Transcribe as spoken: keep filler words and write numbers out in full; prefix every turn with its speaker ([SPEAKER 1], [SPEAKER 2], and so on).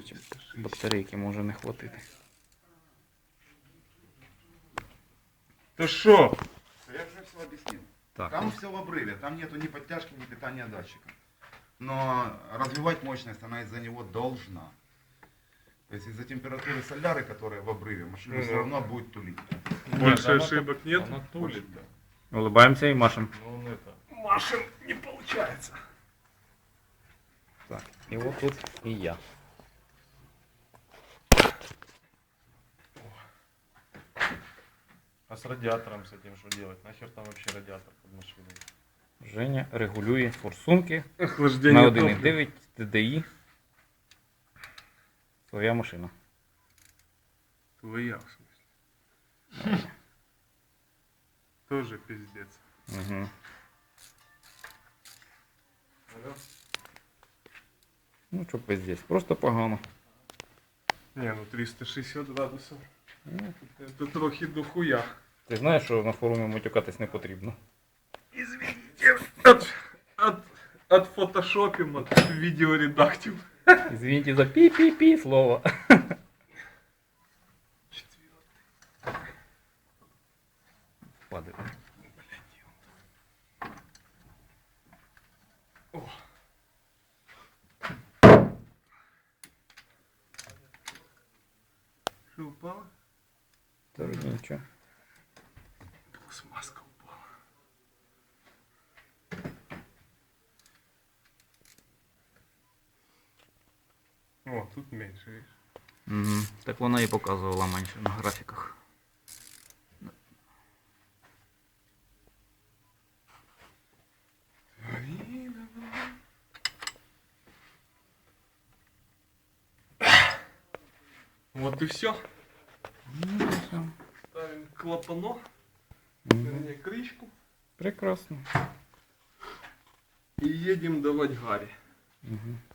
[SPEAKER 1] Значить, батарейки може не хватити.
[SPEAKER 2] Ты шо?
[SPEAKER 3] Я уже все объяснил.
[SPEAKER 1] Так,
[SPEAKER 3] Там все в обрыве, там нету ни подтяжки, ни питания датчика. Но развивать мощность она из-за него должна. То есть из-за температуры соляры, которая в обрыве, машина
[SPEAKER 2] Ну
[SPEAKER 3] все
[SPEAKER 2] да.
[SPEAKER 3] равно будет тулить.
[SPEAKER 2] Больше
[SPEAKER 1] она
[SPEAKER 2] ошибок нет?
[SPEAKER 4] Она тулит, да.
[SPEAKER 1] улыбаємося і машемо.
[SPEAKER 4] Но он это...
[SPEAKER 2] Машин не получается.
[SPEAKER 1] Так, і от тут і я.
[SPEAKER 4] А с радиатором с этим что делать? Нахер там вообще радиатор под машиной?
[SPEAKER 1] Женя регулює форсунки
[SPEAKER 2] Охлаждение
[SPEAKER 1] на
[SPEAKER 2] топлива.
[SPEAKER 1] один і дев'ять Т Д І. Своя машина.
[SPEAKER 2] Твоя, в смысле. Тоже пиздец.
[SPEAKER 1] Угу.
[SPEAKER 4] Алло?
[SPEAKER 1] Ну що пиздець, просто погано.
[SPEAKER 2] Не, ну триста шестьдесят градусов.
[SPEAKER 1] Ну,
[SPEAKER 2] Это трохи дохуя.
[SPEAKER 1] ти знаєш, що на форумі матюкатись не потрібно.
[SPEAKER 2] Извините. От, от, от фотошопим, от видеоредактив.
[SPEAKER 1] Извините за пі-пі-пі слово. Падає.
[SPEAKER 2] О. Что упало?
[SPEAKER 1] Та вроді нічого.
[SPEAKER 2] Пластмаска упала. О, тут меньше, видишь?
[SPEAKER 1] Угу. Так вона і показувала менше на графіках.
[SPEAKER 2] Вот и все.
[SPEAKER 1] Ну, все.
[SPEAKER 2] Ставим клапанок,
[SPEAKER 1] Мгм.
[SPEAKER 2] вернее крышку
[SPEAKER 1] Прекрасно.
[SPEAKER 2] и едем давать Гарри.
[SPEAKER 1] Угу.